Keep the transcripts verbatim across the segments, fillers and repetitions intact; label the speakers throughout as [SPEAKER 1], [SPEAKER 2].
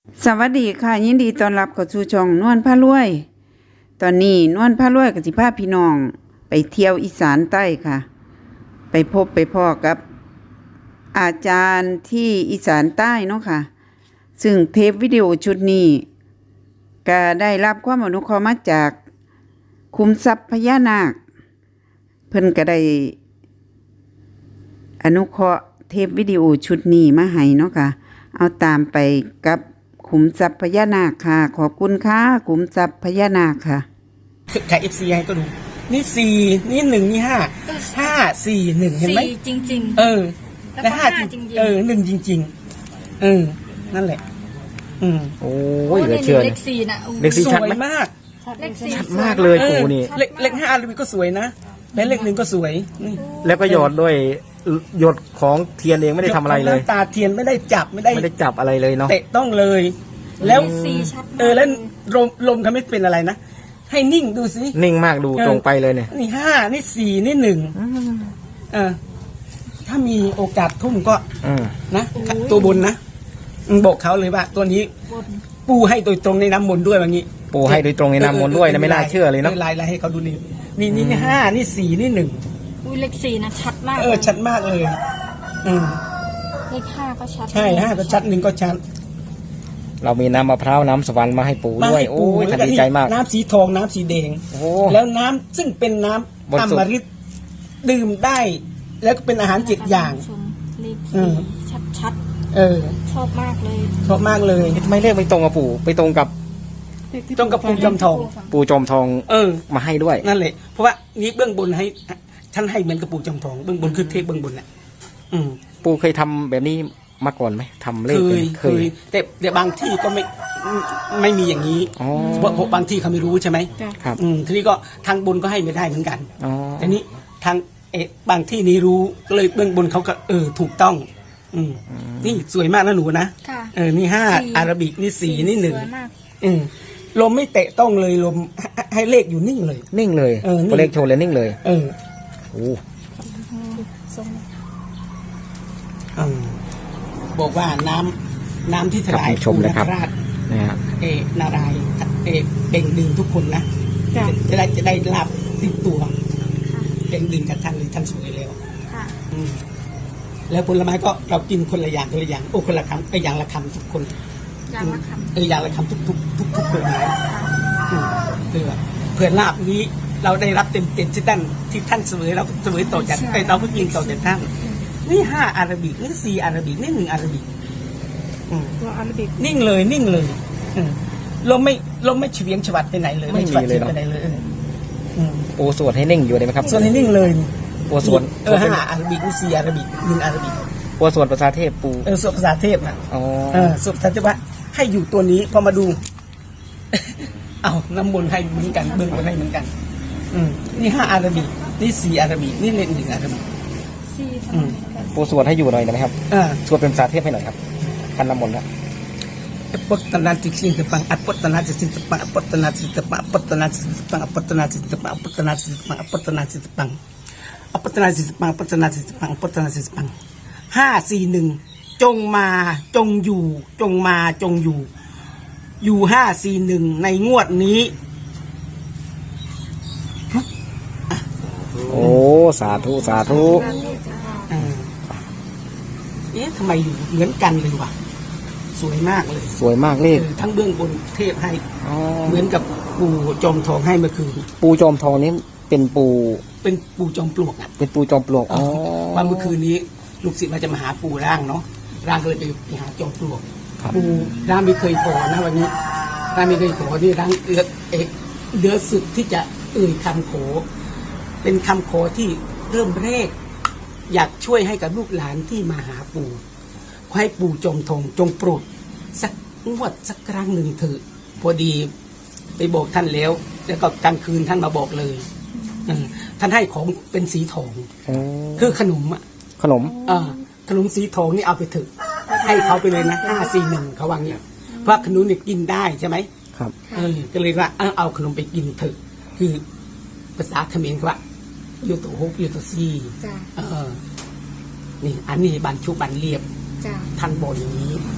[SPEAKER 1] สวัสดีค่ะยินดีต้อนรับเข้าสู่ช่องนวลพารวยตอนนี้นวลพารวยกับสิพาพี่น้องไปเที่ยวอีสานใต้ค่ะ ไปพบไปพ่อกับอาจารย์ที่อีสานใต้เนาะค่ะซึ่งเทปวิดีโอชุดนี้ก็ได้รับความอนุเคราะห์มาจากคุมทรัพย์พญานาคเพิ่นก็ได้อนุเคราะห์เทปวิดีโอชุดนี้มาให้เนาะค่ะเอาตามไปกับขุมทรัพย์พญานาคค่ะขอบคุณค่ะขุมทรัพย์พญานาคค่ะ
[SPEAKER 2] ขายเอฟซีให้ก็ดูนี่สี่นี่หนึ่งนี่ห้าห้าสี่หนึ่งเห็นไหม
[SPEAKER 3] จริงๆ
[SPEAKER 2] เออ
[SPEAKER 3] แล้ว
[SPEAKER 2] ห้าจริงเออหนึ่งจริงๆเออนั่นแหละอืม
[SPEAKER 4] โอ้ยเหลือเชื่อ
[SPEAKER 3] เลขสี่นะ
[SPEAKER 4] เลขสี่
[SPEAKER 2] ส
[SPEAKER 4] ชัด
[SPEAKER 2] วย
[SPEAKER 4] ไหม
[SPEAKER 2] มาก
[SPEAKER 3] เลขสี่
[SPEAKER 4] ชัดมากเลยปูนี่
[SPEAKER 2] เลขเลขห้าก็สวยนะและเลขหนึ่งก็สวยนี่
[SPEAKER 4] แล้วก็หยดด้วยหยดของเทียนเองไม่ได้ทำอะไรเลย
[SPEAKER 2] น้ำตาเทียนไม่ได้จับไม่ได้
[SPEAKER 4] ไม่ได้จับอะไรเลยเนาะ
[SPEAKER 2] เตะต้องเลย แล้ว
[SPEAKER 3] สี่ชัดมาก
[SPEAKER 2] เออแล้วลมลมทำให้เป็นอะไรนะให้นิ่งดูสิ
[SPEAKER 4] นิ่งมากดูตรงไปเลยเนี่ย
[SPEAKER 2] นี่ห้านี่สี่นี่หนึ่งเออถ้ามีโอกาสทุ่มก็
[SPEAKER 4] อืม
[SPEAKER 2] นะตัวบนนะอืมบอกเขาเลยว่า ตัวนี้ปูให้โดยตรงในน้ำมนต์ด้วยแบบนี้
[SPEAKER 4] ปูให้โดยตรงในน้ำมนต์ด้วยนะไม่น่าเชื่อเลยเนาะ
[SPEAKER 2] ลายลายให้เขาดูนี่นี่นี่นี่ห้านี่สี่นี่หนึ่ง
[SPEAKER 3] อุ้ยเลขสี่นะชัดมาก
[SPEAKER 2] เออชัดมากเลยอืม
[SPEAKER 3] เลขห้าก็ชัด
[SPEAKER 2] ใช่ห้าก็ชัดหนึ่งก็ชัด
[SPEAKER 4] เรามีน้ำมะพร้าวน้ำสวรรค์มาให้ปู
[SPEAKER 2] มา
[SPEAKER 4] ด้วย
[SPEAKER 2] ให้
[SPEAKER 4] โอ้
[SPEAKER 2] ปู
[SPEAKER 4] ย
[SPEAKER 2] แล้ว
[SPEAKER 4] ท่าน
[SPEAKER 2] ก็
[SPEAKER 4] ดี
[SPEAKER 2] นี่
[SPEAKER 4] ใจมาก
[SPEAKER 2] น้ำสีทองน้ำสีแดง
[SPEAKER 4] โอ้
[SPEAKER 2] แล้วน้ำซึ่งเป็นน้ำ
[SPEAKER 4] บริ
[SPEAKER 2] อ
[SPEAKER 4] สุทธิ์
[SPEAKER 2] มฤตดื่มได้ แล้วก็เป็นอาหารเจ็ดอย่าง
[SPEAKER 3] ชมเลข
[SPEAKER 2] อื
[SPEAKER 3] สี่
[SPEAKER 2] ม
[SPEAKER 3] ชัดชัด
[SPEAKER 2] เออ
[SPEAKER 3] ๆชอบมากเลย
[SPEAKER 2] ชอบมากเลย
[SPEAKER 4] ไม่เลขไปตรงกับปู่ไปตรงกับ
[SPEAKER 2] ต้องกับปูจำทอง
[SPEAKER 4] ปูจอมทอง
[SPEAKER 2] เออ
[SPEAKER 4] มาให้ด้วย
[SPEAKER 2] นั่นแหละเพราะว่านี้เบื้องบนให้ท่านให้เหมือนกับปูจำทองเบื้องบนคือเทพเบื้องบนแหละอืม
[SPEAKER 4] ปูเคยทำแบบนี้มาก่อนไหมทำเล
[SPEAKER 2] เค
[SPEAKER 4] ข
[SPEAKER 2] ย
[SPEAKER 4] เค
[SPEAKER 2] เคย แต่แต่บางที่ก็ไม่ไม่มีอย่างนี้
[SPEAKER 4] อ๋อ
[SPEAKER 2] เพราะเพราะบางที่เขาไม่รู้ใช่ไหม
[SPEAKER 4] ครับ
[SPEAKER 2] อืมทีนี้ก็ทางบนก็ให้ไม่ได้เหมือนกัน
[SPEAKER 4] อ๋อ
[SPEAKER 2] แต่นี้ทางเอะบางที่นี้รู้ก็เลยเบื้องบนเขาก็เออถูกต้อง อืมนี่สวยมากนะหนูนะ
[SPEAKER 3] ค่ะ
[SPEAKER 2] เออนี่ห้า
[SPEAKER 3] สี่
[SPEAKER 2] อาราบิกนี่สี่นี่หนึ่ง
[SPEAKER 3] สวยมาก
[SPEAKER 2] อืมลมไม่เตะต้องเลยลมให้ให้เลขอยู่นิ่งเลย
[SPEAKER 4] นิ่งเลย
[SPEAKER 2] เออนิ่ง
[SPEAKER 4] ตัวเลขโชว์เลยนิ่งเลย
[SPEAKER 2] เออ
[SPEAKER 4] โอ้
[SPEAKER 2] อืมบอกว่าน้ำน้ำที่ถ
[SPEAKER 4] ครับ
[SPEAKER 2] ลาย
[SPEAKER 4] ชมเลยครับ
[SPEAKER 2] ภูราช
[SPEAKER 4] นะฮะ
[SPEAKER 2] เอนารายณ์เอเบ่งดึงทุกคนนะ
[SPEAKER 3] จ้ะ
[SPEAKER 2] จะได้จะได้ลาบติดตัวเบ่งดึงกับท่านเลยท่านสวยแล้ว
[SPEAKER 3] ค่ะ
[SPEAKER 2] อืมแล้วผลไม้ก็เรากินคนละอย่างคนละอย่างโอ้คนละคำไอ้อย่างละคำทุกคน
[SPEAKER 3] อย่างละคำ
[SPEAKER 2] เอออย่างละคำทุกทุกทุกทุกผลไม้อืมเพื่อเพื่อลาบนี้เราได้รับเต็มเต็มที่ท่านที่ท่านเสวยเราเสวยต่อจากไอ้เราก็กินต่อจากท่านนี่ห้าอาราบิกนี่สี่อาราบิกนี่หนึ่งอาราบิกอืม
[SPEAKER 3] ตัวอาราบิก
[SPEAKER 2] นิ่งเลยนิ่งเลยอืมลมไม่ลมไม่เฉียงฉวัดไปไหนเลย
[SPEAKER 4] ไม่มี
[SPEAKER 2] ฉวัด
[SPEAKER 4] เลยเนอะ
[SPEAKER 2] ไปไหนเลยเอออืม
[SPEAKER 4] ปูสวดให้นิ่งอยู่ได้ไหมครับ
[SPEAKER 2] ส่วนให้นิ่งเลย
[SPEAKER 4] ปูสวด
[SPEAKER 2] เออห้าอาราบิกนี่สี่อาราบิกหนึ่งอาราบิก
[SPEAKER 4] ปูสวดภาษาเทพปู
[SPEAKER 2] เออสวดภาษาเทพนะ
[SPEAKER 4] อ๋อ
[SPEAKER 2] เออสวดภาษาเทพว่าให้อยู่ตัวนี้พอมาดู เอาน้ำมนต์ให้เหมือนกันเบื้องบนให้เหมือนกัน อืมนี่ห้าอาราบิกนี่สี่อาราบิกนี่เลขหนึ่งอาราบิก
[SPEAKER 3] สี่
[SPEAKER 2] อืม
[SPEAKER 4] ปูสวดให้อยู่หน่อยได้ไหมครับ
[SPEAKER 2] อ่า
[SPEAKER 4] สวดเป็นภาษาเทพให้หน่อยครับคันน้ำมนต์นะ
[SPEAKER 2] ปุตตนาจิสิงตปังอปุตตนาจิสิงตปังอปุตตนาจิสิงตปังอปุตตนาจิสิงตปังอปุตตนาจิสิงตปังอปุตตนาจิสิงตปังอปุตตนาจิสิงตปังอปุตตนาจิสิงตปังอปุตตนาจิสิงตปังอปุตตนาจิสิงตปังห้าสี่หนึ่งจงมาจงอยู่ จงมาจงอยู่ อยู่ห้าสี่หนึ่งในงวดนี้
[SPEAKER 4] โอ้สาธุสาธุ
[SPEAKER 2] อ่าเอ๊ะทำไมอยู่เหมือนกันเลยวะสวยมากเลย
[SPEAKER 4] สวยมากเลข
[SPEAKER 2] เออทั้งเบื้องบนเทพให้
[SPEAKER 4] อ๋อ
[SPEAKER 2] เหมือนกับปู่จอมทองให้เมื่อคืน
[SPEAKER 4] ปูจอมทองนี้เป็นปู
[SPEAKER 2] เป็นปู่จอมปลวกอ่ะ
[SPEAKER 4] เป็นปูจอมปลวกอ๋อ
[SPEAKER 2] วันเมื่อคืนนี้ลูกศิษย์มาจะมาหาปู่ร่างเนาะร่างก็เลยไปหาจอมปลวก
[SPEAKER 4] ครับ
[SPEAKER 2] ปู่ร่างไม่เคยขอนะวันนี้ร่างไม่เคยขอที่ร่างเอือเอกเดือสุดที่จะเอ่ยคำขอเป็นคำขอที่เริ่มแรก อยากช่วยให้กับลูกหลานที่มาหาปู่ขอให้ปู่จอมทองจงโปรดสักงวดสักครั้งหนึ่งเถอะพอดีไปบอกท่านแล้ว แล้วก็กลางคืนท่านมาบอกเลยเออท่านให้ของเป็นสีทอง
[SPEAKER 4] อ๋อ
[SPEAKER 2] คือขนมอ่ะ
[SPEAKER 4] ขนม
[SPEAKER 2] เออขนมสีทองนี่เอาไปเถอะให้เขาไปเลยนะห้าสี่หนึ่งเขาวางเนี่ยเพราะขนมเนี่ยกินได้ใช่ไหม
[SPEAKER 4] ครับ
[SPEAKER 2] เออก็เลยว่าเอาเอาขนมไปกินเถอะ คือภาษาเขมรเขาว่าโยโตฮกโยโตซี
[SPEAKER 3] จ้ะ
[SPEAKER 2] เออนี่อันนี้บันชุบันเรียบ
[SPEAKER 3] จ้ะ
[SPEAKER 2] ท่านบอกอย่างนี้ เอ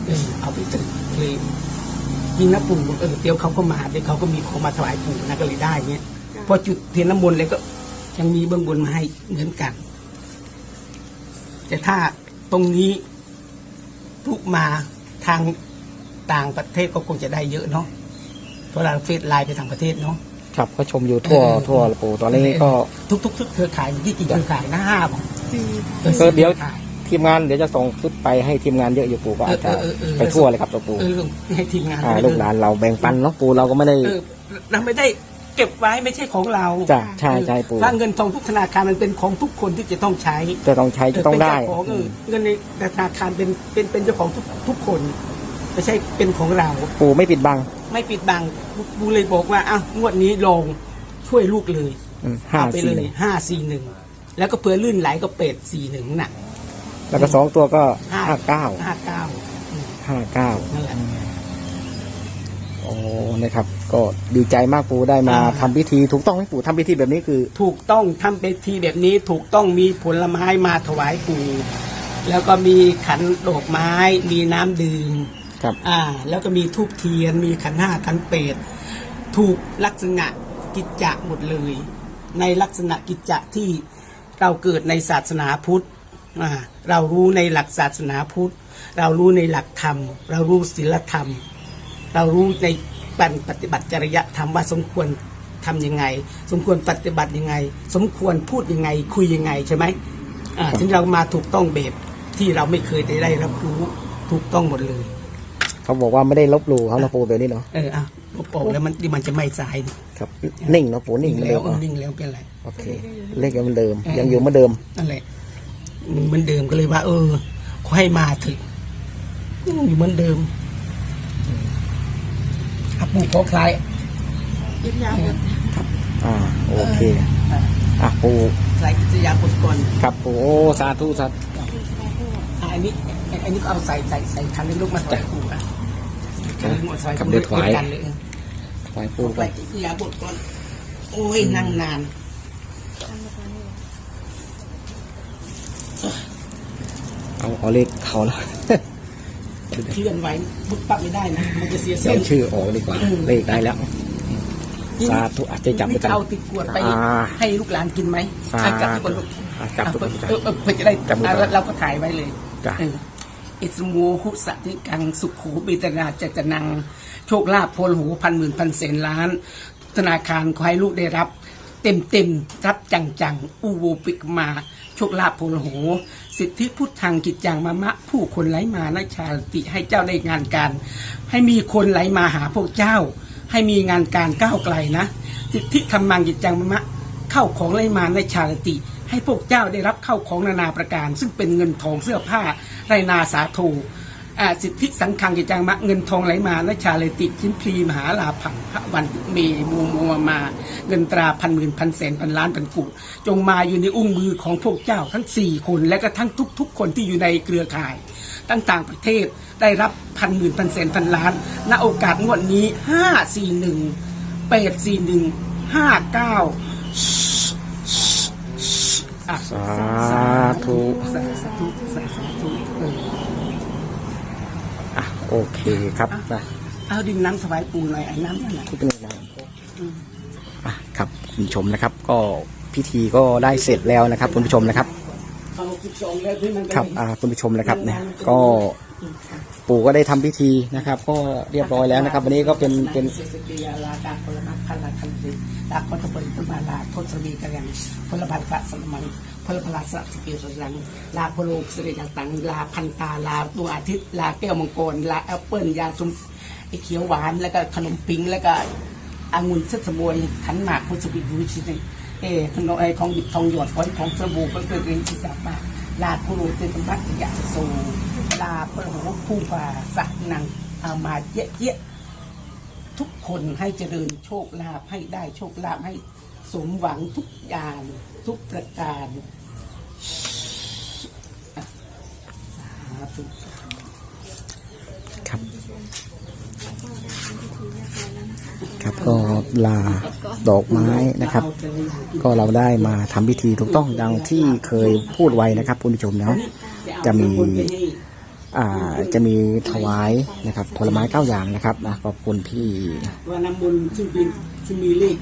[SPEAKER 2] ออเอาไปถึงเลยยิงนะปู่บอกเออเดี๋ยวเขาก็มาเดี๋ยวเขาก็มีของมาถวายปู่นะก็เลยได้เงี้ยพอจุดเทียนน้ำมนต์เลยก็ยังมีเบื้องบนมาให้เหมือนกัน แต่ถ้าตรงนี้ทุกมาทางต่างประเทศก็คงจะได้เยอะเนาะเพราะเราเฟซไลน์ไปทางประเทศเนาะ
[SPEAKER 4] ครับก็ชมอยู่ทั่ว
[SPEAKER 2] เออ
[SPEAKER 4] ทั่วละปู่ตอนนี้ก็
[SPEAKER 2] ทุกทุกทุกเครือข่ายที่กี่เครือข่ายนะห้าบอก
[SPEAKER 3] สี่
[SPEAKER 4] ก็เดี๋ยว
[SPEAKER 2] ครือข่า
[SPEAKER 4] ทีมงานเดี๋ยวจะส่งชุดไปให้ทีมงานเยอะอยู่ปู่ก็อาจจะ
[SPEAKER 2] เออเออเออ
[SPEAKER 4] ไปทั่วเลยครับตัวปู่
[SPEAKER 2] เออให้ทีมงาน
[SPEAKER 4] อ่า
[SPEAKER 2] ไปเย
[SPEAKER 4] ลูกหลานเราแบ่งปันเนาะปู่เราก็ไม่ได้
[SPEAKER 2] เออเราไม่ได้เก็บไว้ไม่ใช่ของเรา
[SPEAKER 4] จ้ะใช่ใช่ปู่
[SPEAKER 2] ถ้าเงินทองทุกธนาคารมันเป็นของทุกคนที่จะต้องใช้
[SPEAKER 4] จะต้องใช้จะต้องได้
[SPEAKER 2] เป็นเจ้าของเออเงินในธนาคารเป็นเป็นเป็นเจ้าของทุกทุกคนไม่ใช่เป็นของเรา
[SPEAKER 4] ปู่ไม่ปิดบัง
[SPEAKER 2] ไม่ปิดบังบูเลยบอกว่าอ้าวงวดนี้ลองช่วยลูกเลย
[SPEAKER 4] อืมห้า
[SPEAKER 2] เอาไป
[SPEAKER 4] สี่
[SPEAKER 2] เลยห้าสี่หนึ่งแล้วก็เผื่อลื่นไหลก็เป็ดสี่หนึ่งน่ะ
[SPEAKER 4] แล้วก็สองตัวก็ห้าเก้า
[SPEAKER 2] ห้าเก้า
[SPEAKER 4] ห้าเก้า
[SPEAKER 2] นั่นแหละ
[SPEAKER 4] โอ้นะครับ ก็ดีใจมากปู่ได้มา
[SPEAKER 2] อ่า
[SPEAKER 4] ทำพิธีถูกต้องไหมปู่ทำพิธีแบบนี้คือ
[SPEAKER 2] ถูกต้องทำเป็นทีแบบนี้ถูกต้องมีผลไม้มาถวายปู่แล้วก็มีขันดอกไม้ มีน้ำดื่ม
[SPEAKER 4] ครับ
[SPEAKER 2] อ่า แล้วก็มีทูบเทียน มีขันห้าขันเป็ดถูกลักษณะกิจจะหมดเลย ในลักษณะกิจจะที่เราเกิดในศาสนาพุทธอ่าเรารู้ในหลักศาสนาพุทธ เรารู้ในหลักธรรม เรารู้ศีลธรรม เรารู้ในการปฏิบัติจริยธรรมว่าสมควรทำยังไง สมควรปฏิบัติยังไง สมควรพูดยังไง คุยยังไงใช่ไหมอ่าถึงเรามาถูกต้องแบบที่เราไม่เคยได้รับรู้ถูกต้องหมดเลย
[SPEAKER 4] เขาบอกว่าไม่ได้ลบหลู่เขานะปู่แบบนี้เนาะ
[SPEAKER 2] เอออ่ะลบออกแล้วมันมันจะไม่สายนี่
[SPEAKER 4] ครับนิ่งเนาะปู่นิ่งเหมือน
[SPEAKER 2] แล้
[SPEAKER 4] เดิ
[SPEAKER 2] ว
[SPEAKER 4] ม
[SPEAKER 2] เออ
[SPEAKER 4] เนาะ
[SPEAKER 2] นิ่งแล้วเป็นไร
[SPEAKER 4] โอเคเลขยังเหมือนเดิม
[SPEAKER 2] เออ
[SPEAKER 4] ยังอยู่เหมือนเดิม
[SPEAKER 2] นั่นแหละมันเหมือนเดิมก็เลยว่า เออขอให้มาถึงอยู่เหมือนเดิมอ่ะปู่ขอคลาย
[SPEAKER 3] ยิบยาวหมด
[SPEAKER 4] อ่าโอเคอ่ะปู่
[SPEAKER 2] คลายกิจยาบทก่อน
[SPEAKER 4] ครับปู่โอ้สาธุสาธุ
[SPEAKER 2] อ่ะอันนี้อันนี้ก็เอาใส่ใส่ใส่คันเล็กลูกมาถวายปู่อ่ะคันเล็กมาถวาย
[SPEAKER 4] กับ
[SPEAKER 2] ปู่
[SPEAKER 4] เดือดถวาย
[SPEAKER 2] กันเลย
[SPEAKER 4] ถวายปู่
[SPEAKER 2] ค
[SPEAKER 4] ก่อ
[SPEAKER 2] ลาน ยกิจยาบทก่อนโอ้ยนั่งนาน
[SPEAKER 4] เอาเอาเลขเขาแล้ว
[SPEAKER 2] เคลื่อนไหวบุกปักไม่ได้นะมันจะเสีย
[SPEAKER 4] เสี
[SPEAKER 2] เส้
[SPEAKER 4] ย
[SPEAKER 2] น
[SPEAKER 4] ชื่อออกดีกว่า เลขได้แล้ว สาธุอาจจะจับไป
[SPEAKER 2] นี่
[SPEAKER 4] กัน
[SPEAKER 2] จะเอาติดกวดไป
[SPEAKER 4] อ่า
[SPEAKER 2] ให้ลูกหลานกินไหม
[SPEAKER 4] สา
[SPEAKER 2] อ่ะจับทุกคนลูก
[SPEAKER 4] อ่ะจับทุกคน
[SPEAKER 2] เออเออเพื่อจะได้
[SPEAKER 4] จับมือก่อน
[SPEAKER 2] อ่ะเราก็ถ่ายไว้เลย
[SPEAKER 4] จ้ะ
[SPEAKER 2] เอออิสมูหุสัติกังสุขหูบิตนาจัจนัง โชคลาภโพลหูพันหมื่นพันแสนล้าน ธนาคารขอให้ลูกได้รับ เต็มเต็มๆรับจังจังๆอูโวปิกมา โชคลาภโพลหูสิทธิพุทธังกิจจังมะมะ ผู้คนไหลมานาชาติให้เจ้าได้งานการ ให้มีคนไหลมาหาพวกเจ้า ให้มีงานการก้าวไกลนะ สิทธิธรรมังกิจจังมะมะ เข้าของไหลมาในชาติ ให้พวกเจ้าได้รับเข้าของนานาประการ ซึ่งเป็นเงินทองเสื้อผ้าไรนาสาโทอ่าสิทธิสังฆังกิจจังมะเงินทองไหลมาและชาเลติชิ้นพลีมหาลาผังพระวันเมมูมัวมา เงินตราพันหมื่นพันแสนพันล้านพันกุจงมาอยู่ในอุ้งมือของพวกเจ้าทั้งสี่คนและก็ทั้งทุกๆคนที่อยู่ในเครือข่ายตั้งต่างประเทศได้รับพันหมื่นพันแสนพันล้านณโอกาสงวดนี้ห้าสี่หนึ่งแปดสี่หนึ่งห้าเก้า
[SPEAKER 4] สาธุ
[SPEAKER 2] สาธุสาธุเออ
[SPEAKER 4] อ่ะโอเคครับนะ
[SPEAKER 2] เอาดินน้ำถวายปู่หน่อยไอ้น้ำนั่นแหละ
[SPEAKER 4] ที่เป็นยังไงอ่ะครับคุณผู้ชมนะครับ ก็พิธีก็ได้เสร็จแล้วนะครับ คุณผู้ชมนะครับ
[SPEAKER 2] เอาสิบสองแล้วที่มัน
[SPEAKER 4] ครับอ่าคุณผู้ชมนะครับเนี่ยก็ปู่ก็ได้ทำพิธีนะครับ ก็เรียบร้อยแล้วนะครับ วันนี้ก็เป็นเป็น
[SPEAKER 2] เสสติยาลาดาพลมัคคันลาคันติดาคตบุญตุมาลาโทษมีกันยังพลบาลกะสมังพลพลาสสกิลสังลาโพโลกสิริจัตังลาพันตาลาดวงอาทิตย์ลาแก้วมังกรลาแอปเปิลยาซุมไอเขียวหวานแล้วก็ขนมปิงแล้วก็องุ่นเสดสมวยขันหมากพุทธบิดวิชิตเอขนมไอของบิดทองหยดของของสบู่ก็เกิดเป็นที่จับมาลาโพโลเตตมัตยาโซลาพลโหผู้ฝ่าสักนังเอามาเยอะเยอะทุกคนให้เจริญโชคลาภให้ได้โชคลาภให้สมหวังทุกอย่างทุกประการอ่ะสาธุ
[SPEAKER 4] ครับครับก็ลาดอกไม้นะครับ ก็เราได้มาทำพิธีถูกต้องดังที่เคยพูดไว้นะครับคุณผู้ชมเนาะจะมีอ่าจะมีถวายนะครับผลไม้เก้าอย่างนะครับนะขอบคุณพี่
[SPEAKER 2] ว่าน้ำมนต์ซึ่งเป็นซึ่งมีเลข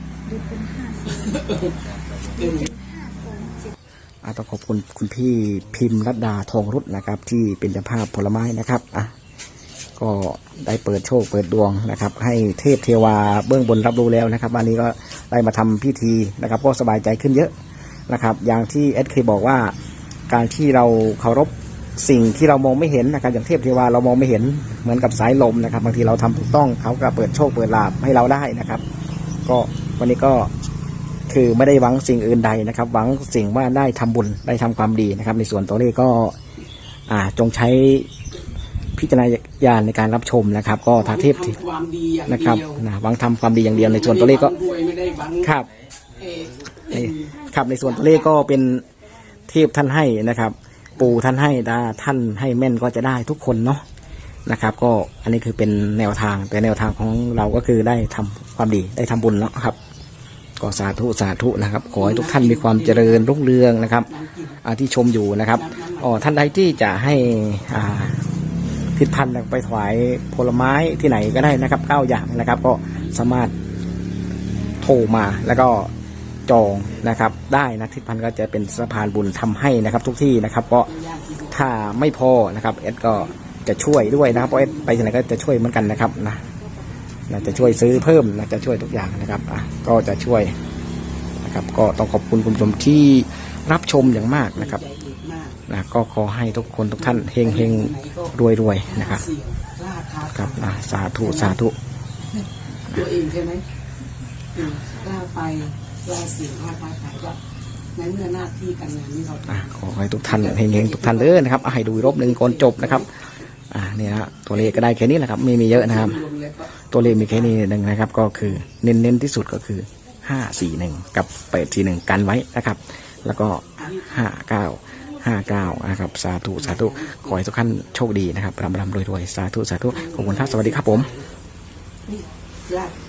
[SPEAKER 4] อ่าต้องขอบคุณคุณพี่พิมพ์รัตดาทองรุตนะครับ ที่เป็นเจ้าภาพผลไม้นะครับอ่ะก็ได้เปิดโชคเปิดดวงนะครับ ให้เทพเทวาเบื้องบนรับรู้แล้วนะครับวันนี้ก็ได้มาทำพิธีนะครับก็สบายใจขึ้นเยอะนะครับ อย่างที่เอสเคบอกว่าการที่เราเคารพสิ่งที่เรามองไม่เห็นนะครับอย่างเทพเทวาเรามองไม่เห็นเหมือนกับสายลมนะครับบางทีเราทำถูกต้องเขาก็เปิดโชคเปิดลาภให้เราได้นะครับ ก็วันนี้ก็คือไม่ได้หวังสิ่งอื่นใดนะครับ หวังสิ่งว่าได้ทำบุญได้ทำความดีนะครับ ในส่วนตัวเลขก็อ่าจงใช้พิจารณญาณในการรับชมนะครับ ก็ทาเทพ
[SPEAKER 2] ทำความดีอย่าง
[SPEAKER 4] นะครับ
[SPEAKER 2] เดียว
[SPEAKER 4] นะหวังทำความดีอย่างเดียวในส่วนตัวเลขก็
[SPEAKER 2] ไม่ได้หวังรวยไม่ได้หวัง
[SPEAKER 4] ครับ
[SPEAKER 2] เอ่อ
[SPEAKER 4] นี่ครับในส่วนตัวเลขก็เป็นเทพท่านให้นะครับ ปู่ท่านให้ดาท่านให้แม่นก็จะได้ทุกคนเนาะนะครับ ก็อันนี้คือเป็นแนวทางแต่แนวทางของเราก็คือได้ทำความดีได้ทำบุญเนาะครับก็สาธุสาธุนะครับขอให้ทุกท่านมีความเจริญรุ่งเรืองนะครับอ่าที่ชมอยู่นะครับอ๋อท่านใดที่จะให้อ่าทิศพันธ์ไปถวายผลไม้ที่ไหนก็ได้นะครับเก้าอย่างนะครับ ก็สามารถโทรมาแล้วก็จองนะครับได้นะทิศพันธ์ก็จะเป็นสะพานบุญทำให้นะครับทุกที่นะครับก็ถ้าไม่พอนะครับเอสก็จะช่วยด้วยนะครับเพราะเอสไปที่ไหนก็จะช่วยเหมือนกันนะครับนะนะจะช่วยซื้อเพิ่มนะจะช่วยทุกอย่างนะครับอ่ะก็จะช่วยนะครับก็ต้องขอบคุณคุณผู้ชมที่รับชมอย่างมากนะครับนะก็ขอให้ทุกคนทุกท่านเฮงเฮงรวยรวยๆนะครับ
[SPEAKER 2] เสี่ยงกล้าท้า
[SPEAKER 4] ครับอ่ะสาธุสาธุ
[SPEAKER 2] ตัวเองใช่ไหมอืมกล้าไปกล้าเสี่ยงกล้าท้าทายก็ในเมื่อหน้าที่การงานนี้เรา
[SPEAKER 4] อ่ะขอให้ทุกท่านเฮงๆทุกท่านเลยนะครับอ่ะให้ดูอีกรอบหนึ่งก่อนจบนะครับอ่าเนี่ยนะตัวเลขก็ได้แค่นี้แหละครับไม่มีเยอะนะครับ
[SPEAKER 2] รวมแล้วก็
[SPEAKER 4] ตัวเลขมีแค่นี้หนึ่งนะครับ ก็คือเน้นๆที่สุดก็คือห้าสี่หนึ่งกับแปดสี่หนึ่งกันไว้นะครับ แล้วก็ห้าเก้าห้าเก้านะครับสาธุสาธุขอให้ทุกท่านโชคดีนะครับร่ำรำรวยๆสาธุสาธุขอบคุณครับสวัสดีครับผม
[SPEAKER 2] นี่กล้า